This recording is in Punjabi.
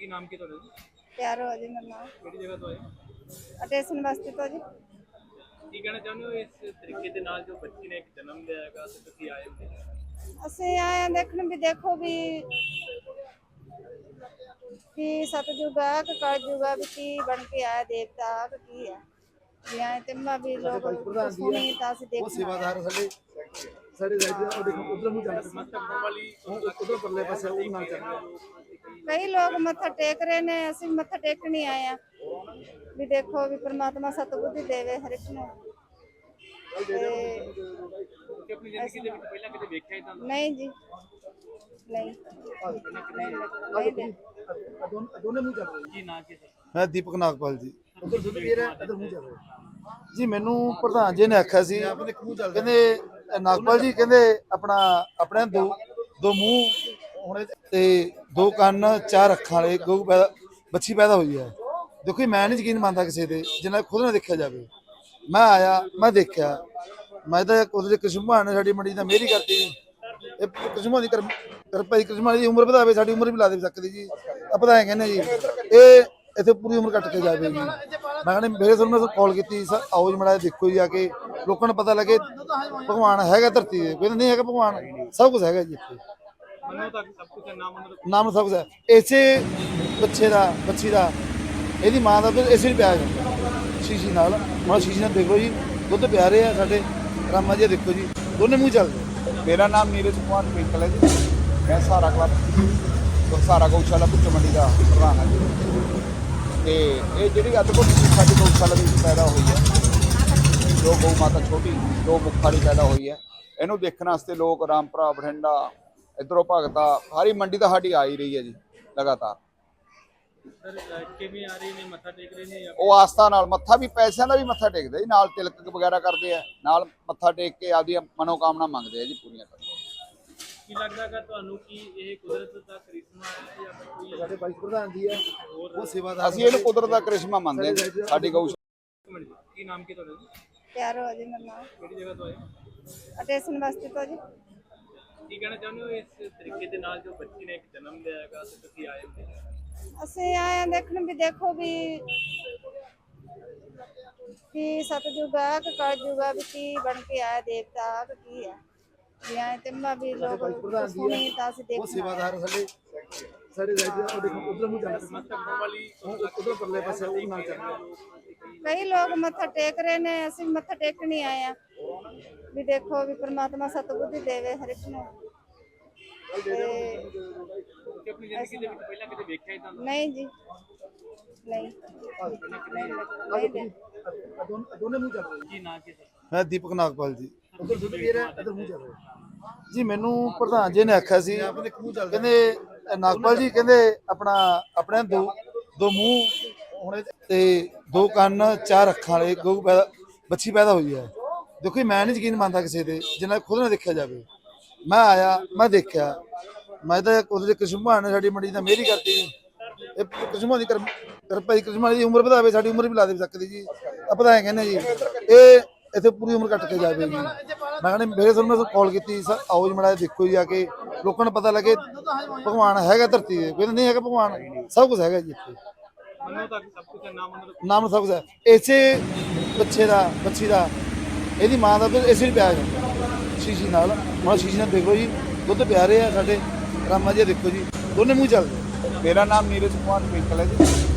ਕੀ ਨਾਮ ਕੀ ਤੁਹਾਡਾ ਜੀ? ਪਿਆਰ ਹੋ ਜੀ ਮੇਰਾ ਨਾਮ ਕਿਹੜੀ ਜਗ੍ਹਾ ਤੋਂ ਆਏ? ਅਟੈਸ਼ਨ ਵਾਸਤੇ ਤੋਂ ਜੀ। ਕੀ ਕਹਿਣਾ ਚਾਹੁੰਦੇ ਹੋ ਇਸ ਤਰੀਕੇ ਦੇ ਨਾਲ ਜੋ ਬੱਚੀ ਨੇ ਇੱਕ ਜਨਮ ਲਿਆ ਹੈਗਾ ਤੇ ਤੁਸੀਂ ਆਏ ਹੋ? ਅਸੀਂ ਆਏ ਹਾਂ ਦੇਖਣ ਵੀ ਦੇਖੋ ਵੀ ਸਤਜੁਗ ਆ ਕਿ ਕਲਯੁਗ ਆ ਵੀ ਕੀ ਬਣ ਕੇ ਆਇਆ ਦੇਵਤਾ ਕਿ ਕੀ ਹੈ ਵੀ ਆਏ ਤੇ ਮੈਂ ਵੀ ਲੋਕ ਸੁਣੀ ਤਾਂ ਅਸੀਂ ਉਹ ਦੇਖਣਾ ਸੇਵਾਦਾਰ ਸਾਡੇ ਸਾਡੇ ਰਾਈਟ ਉਹ ਦੇਖੋ ਉਧਰ ਨੂੰ ਚੱਲ ਮਤਲਬ ਵਾਲੀ ਉਧਰ ਪਰਲੇ ਪਾਸੇ ਉਹ ਨਾਲ ਚੱਲ ਕਈ ਲੋਕ ਮੱਥਾ ਟੇਕ ਰਹੇ ਨੇ ਅਸੀਂ ਮੱਥਾ ਟੇਕਣ ਹੀ ਆਏ ਆ ਵੀ ਦੇਖੋ ਵੀ ਪ੍ਰਮਾਤਮਾ ਸਤਬੁੱਧੀ ਦੇਵੇ ਹਰ ਇੱਕ ਨੂੰ ਤੇ ਕਿ ਆਪਣੀ ਜ਼ਿੰਦਗੀ ਦੇ ਵਿੱਚ ਪਹਿਲਾਂ ਕਿਤੇ ਵੇਖਿਆ ਇਦਾਂ ਦਾ? ਨਹੀਂ ਜੀ ਨਹੀਂ ਦੋਨੇ ਮੂੰਹ ਚੱਲ ਰਹੇ ਕੀ ਨਾਂ ਕੀ ਸਰ? ਮੈਂ ਦੀਪਕ ਨਾਗਪਾਲ ਜੀ ਉਧਰ ਦੁੱਧ ਪੀ ਰਿਹਾ ਇਧਰ ਮੂੰਹ ਚੱਲ ਰਿਹਾ ਜੀ। ਮੈਨੂੰ ਪ੍ਰਧਾਨ ਜੀ ਨੇ ਆਖਿਆ ਸੀ ਕਹਿੰਦੇ ਨਾਗਪਾਲ ਜੀ ਕਹਿੰਦੇ ਆਪਣੇ ਦੋ ਮੂੰਹ ਹੋਣੇ ਤੇ ਦੋ ਕੰਨ ਚਾਰ ਅੱਖਾਂ ਵਾਲੇ ਬੱਚੀ ਪੈਦਾ ਹੋਈ ਹੈ। ਦੇਖੋ ਜੀ, ਮੈਂ ਨਹੀਂ ਯਕੀਨ ਮੰਨਦਾ ਕਿਸੇ ਤੇ ਜਿੰਨਾ ਖੁਦ ਨਾ ਦੇਖਿਆ ਜਾਵੇ। ਮੈਂ ਆਇਆ ਮੈਂ ਦੇਖਿਆ ਮੈਂ ਤਾਂ ਉਹਦੇ ਕ੍ਰਿਸ਼ਨ ਭਗਵਾਨ ਨੇ ਸਾਡੀ ਮੰਡੀ ਦਾ ਮਿਹਰ ਹੀ ਕਰਤੀ ਜੀ। ਇਹ ਕ੍ਰਿਸ਼ਨ ਭਗਵਾਨ ਦੀ ਕਿਰਪਾ ਜੀ, ਕ੍ਰਿਸ਼ਨ ਭਗਵਾਨ ਦੀ ਉਮਰ ਵਧਾਵੇ, ਸਾਡੀ ਉਮਰ ਵੀ ਲਾ ਦੇ ਸਕਦੀ ਜੀ। ਆਪਾਂ ਤਾਂ ਐਂ ਕਹਿੰਦੇ ਜੀ ਇਹ ਇੱਥੇ ਪੂਰੀ ਉਮਰ ਕੱਟ ਕੇ ਜਾਵੇ ਜੀ। ਮੈਂ ਕਹਿੰਦਾ ਮੇਰੇ ਤੁਹਾਨੂੰ ਮੈਂ ਕਾਲ ਕੀਤੀ ਸਰ ਆਓ ਜੀ ਮਾੜਾ ਦੇਖੋ ਜੀ ਆ ਕੇ ਲੋਕਾਂ ਨੂੰ ਪਤਾ ਲੱਗੇ ਭਗਵਾਨ ਹੈਗਾ ਧਰਤੀ ਤੇ, ਕੋਈ ਨਹੀਂ ਹੈਗਾ ਭਗਵਾਨ ਸਭ ਕੁਝ ਹੈਗਾ ਜੀ ਇੱਥੇ। ਮੰਨੋ ਤਾਂ ਸਭ ਕੁਝ ਹੈ, ਨਾਮ ਸਭ ਕੁਝ ਹੈ। ਇਸੇ ਬੱਚੀ ਦਾ ਇਹਦੀ ਮਾਂ ਦਾ ਦੁੱਧ ਇਸੇ ਨੂੰ ਪਿਆ ਜਾਂਦਾ ਸ਼ੀਸ਼ੀ ਨਾਲ। ਹੁਣ ਸ਼ੀਸ਼ੀ ਨਾਲ ਦੇਖੋ ਜੀ ਦੁੱਧ ਪਿਆ ਰਹੇ ਆ ਸਾਡੇ ਰਾਮਾ ਜੀ, ਦੇਖੋ ਜੀ ਦੋਨੇ ਮੂੰਹ ਚੱਲਦੇ। ਮੇਰਾ ਨਾਮ ਨੀਰਜ ਕੁਮਾਰ ਪਿੰਕਲ ਹੈ ਜੀ। ਮੈਂ ਸਹਾਰਾ ਕਲੱਬ ਸਹਾਰਾ ਗਊਸ਼ਾਲਾ ਭੁੱਚੋ ਮੰਡੀ ਦਾ ਪ੍ਰਧਾਨ ਹਾਂ ਜੀ। ਤੇ ਇਹ ਜਿਹੜੀ ਅਦਭੁਤ ਸਾਡੀ ਗਊਸ਼ਾਲਾ ਵਿੱਚ ਪੈਦਾ ਹੋਈ ਹੈ, ਜੋ ਗਊ ਮਾਤਾ ਛੋਟੀ ਜੋ ਮੁੱਖਾਂ ਦੀ ਪੈਦਾ ਹੋਈ ਹੈ, ਇਹਨੂੰ ਦੇਖਣ ਵਾਸਤੇ ਲੋਕ ਰਾਮਪੁਰਾ ਬਠਿੰਡਾ ਇੱਧਰੋਂ ਭਗਤਾ ਸਾਰੀ ਮੰਡੀ ਤਾਂ ਸਾਡੀ ਆ ਹੀ ਰਹੀ ਹੈ ਜੀ ਲਗਾਤਾਰ। ਸਰ ਕਿਵੇਂ ਆ ਰਹੇ ਨੇ, ਮੱਥਾ ਟੇਕ ਰਹੇ ਨੇ ਜਾਂ ਉਹ ਆਸਥਾ ਨਾਲ ਮੱਥਾ ਵੀ ਪੈਸਿਆਂ ਦਾ ਵੀ ਮੱਥਾ ਟੇਕਦੇ ਜੀ, ਨਾਲ ਤਿਲਕ ਵਗੈਰਾ ਕਰਦੇ ਆ, ਨਾਲ ਮੱਥਾ ਟੇਕ ਕੇ ਆਪਦੀਆਂ ਮਨੋਕਾਮਨਾ ਮੰਗਦੇ ਆ ਜੀ ਪੂਰੀਆਂ ਕਰਦੇ। ਕੀ ਲੱਗਦਾ ਹੈਗਾ ਤੁਹਾਨੂੰ ਕਿ ਇਹ ਕੁਦਰਤ ਦਾ ਕਰਿਸ਼ਮਾ ਹੈ ਜਾਂ ਫਿਰ ਕੋਈ ਸਾਡੇ ਵਾਈਸ ਪ੍ਰਧਾਨ ਜੀ ਹੈ ਉਹ ਸੇਵਾਦਾਰ ਅਸੀਂ ਇਹਨੂੰ ਕੁਦਰਤ ਦਾ ਕਰਿਸ਼ਮਾ ਮੰਨਦੇ ਹਾਂ ਜੀ, ਸਾਡੀ ਗਊਸ਼ਾਲਾ। ਕੀ ਨਾਮ ਕੀ ਤੁਹਾਡਾ ਜੀ? ਪਿਆਰ ਹੋ ਜੀ ਮੇਰਾ ਨਾਮ ਕਿਹੜੀ ਜਗ੍ਹਾ ਤੋਂ ਆਏ? ਅਟੈਸ਼ਨ ਵਾਸਤੇ ਤੋਂ ਜੀ। ਕੀ ਕਹਿਣਾ ਚਾਹੁੰਦੇ ਹੋ ਇਸ ਤਰੀਕੇ ਦੇ ਨਾਲ ਜੋ ਬੱਚੀ ਨੇ ਇੱਕ ਜਨਮ ਲਿਆ ਹੈਗਾ ਤੇ ਤੁਸੀਂ ਆਏ ਹੋ? ਅਸੀਂ ਆਏ ਹਾਂ ਦੇਖਣ ਵੀ ਦੇਖੋ ਵੀ ਸਤਜੁਗ ਆ ਕਿ ਕਲਯੁਗ ਆ ਵੀ ਕੀ ਬਣ ਕੇ ਆਇਆ ਦੇਵਤਾ ਕਿ ਕੀ ਹੈ ਵੀ ਆਏ ਤੇ ਮੈਂ ਵੀ ਲੋਕ ਸੁਣੀ ਤਾਂ ਅਸੀਂ ਉਹ ਦੇਖਣਾ ਸੇਵਾਦਾਰ ਸਾਡੇ ਸਾਡੇ ਰਾਈਟ ਉਹ ਦੇਖੋ ਉਧਰ ਨੂੰ ਚੱਲ ਮਤਲਬ ਵਾਲੀ ਉਧਰ ਪਰਲੇ ਪਾਸੇ ਉਹ ਨਾਲ ਚੱਲ ਕਈ ਲੋਕ ਮੱਥਾ ਟੇਕ ਰਹੇ ਨੇ ਅਸੀਂ ਮੱਥਾ ਟੇਕਣ ਹੀ ਆਏ ਆ ਵੀ ਦੇਖੋ ਵੀ ਪ੍ਰਮਾਤਮਾ ਸਤਬੁੱਧੀ ਦੇਵੇ ਹਰ ਇੱਕ ਨੂੰ ਤੇ ਕਿ ਆਪਣੀ ਜ਼ਿੰਦਗੀ ਦੇ ਵਿੱਚ ਪਹਿਲਾਂ ਕਿਤੇ ਵੇਖਿਆ ਇਦਾਂ ਦਾ? ਨਹੀਂ ਜੀ ਨਹੀਂ ਦੋਨੇ ਮੂੰਹ ਚੱਲ ਰਹੇ ਕੀ ਨਾਂ ਕੀ ਸਰ? ਮੈਂ ਦੀਪਕ ਨਾਗਪਾਲ ਜੀ ਉਧਰ ਦੁੱਧ ਪੀ ਰਿਹਾ ਇਧਰ ਮੂੰਹ ਚੱਲ ਰਿਹਾ ਜੀ। ਮੈਨੂੰ ਪ੍ਰਧਾਨ ਜੀ ਨੇ ਆਖਿਆ ਸੀ ਕਹਿੰਦੇ ਨਾਗਪਾਲ ਜੀ ਕਹਿੰਦੇ ਆਪਣੇ ਦੋ ਮੂੰਹ ਹੋਣੇ ਤੇ ਦੋ ਕੰਨ ਚਾਰ ਅੱਖਾਂ ਵਾਲੇ ਬੱਚੀ ਪੈਦਾ ਹੋਈ ਹੈ। ਦੇਖੋ ਜੀ, ਮੈਂ ਨਹੀਂ ਯਕੀਨ ਮੰਨਦਾ ਕਿਸੇ ਤੇ ਜਿੰਨਾ ਖੁਦ ਨਾ ਦੇਖਿਆ ਜਾਵੇ। ਮੈਂ ਆਇਆ ਮੈਂ ਦੇਖਿਆ ਮੈਂ ਤਾਂ ਉਹਦੇ ਕ੍ਰਿਸ਼ਨ ਭਗਵਾਨ ਨੇ ਸਾਡੀ ਮੰਡੀ ਦਾ ਮਿਹਰ ਹੀ ਕਰਤੀ ਜੀ। ਇਹ ਕ੍ਰਿਸ਼ਨ ਭਗਵਾਨ ਦੀ ਕਿਰਪਾ ਜੀ, ਕ੍ਰਿਸ਼ਨ ਭਗਵਾਨ ਦੀ ਉਮਰ ਵਧਾਵੇ, ਸਾਡੀ ਉਮਰ ਵੀ ਲਾ ਦੇ ਸਕਦੀ ਜੀ। ਆਪਾਂ ਤਾਂ ਐਂ ਕਹਿੰਦੇ ਜੀ ਇਹ ਇੱਥੇ ਪੂਰੀ ਉਮਰ ਕੱਟ ਕੇ ਜਾਵੇ ਜੀ। ਮੈਂ ਕਹਿੰਦਾ ਮੇਰੇ ਤੁਹਾਨੂੰ ਮੈਂ ਕਾਲ ਕੀਤੀ ਸਰ ਆਓ ਜੀ ਮਾੜਾ ਦੇਖੋ ਜੀ ਆ ਕੇ ਲੋਕਾਂ ਨੂੰ ਪਤਾ ਲੱਗੇ ਭਗਵਾਨ ਹੈਗਾ ਧਰਤੀ ਤੇ, ਕੋਈ ਨਹੀਂ ਹੈਗਾ ਭਗਵਾਨ ਸਭ ਕੁਝ ਹੈਗਾ ਜੀ ਇੱਥੇ। ਮੰਨੋ ਤਾਂ ਸਭ ਕੁਝ ਹੈ, ਨਾਮ ਸਭ ਕੁਝ ਹੈ। ਇਸੇ ਬੱਚੀ ਦਾ ਇਹਦੀ ਮਾਂ ਦਾ ਦੁੱਧ ਇਸੇ ਨੂੰ ਪਿਆ ਜਾਂਦਾ ਸ਼ੀਸ਼ੀ ਨਾਲ। ਹੁਣ ਸ਼ੀਸ਼ੀ ਨਾਲ ਦੇਖੋ ਜੀ ਦੁੱਧ ਪਿਆ ਰਹੇ ਆ ਸਾਡੇ ਰਾਮਾ ਜੀ, ਦੇਖੋ ਜੀ ਦੋਨੇ ਮੂੰਹ ਚੱਲਦੇ। ਮੇਰਾ ਨਾਮ ਨੀਰਜ ਕੁਮਾਰ ਪਿੰਕਲ ਹੈ ਜੀ।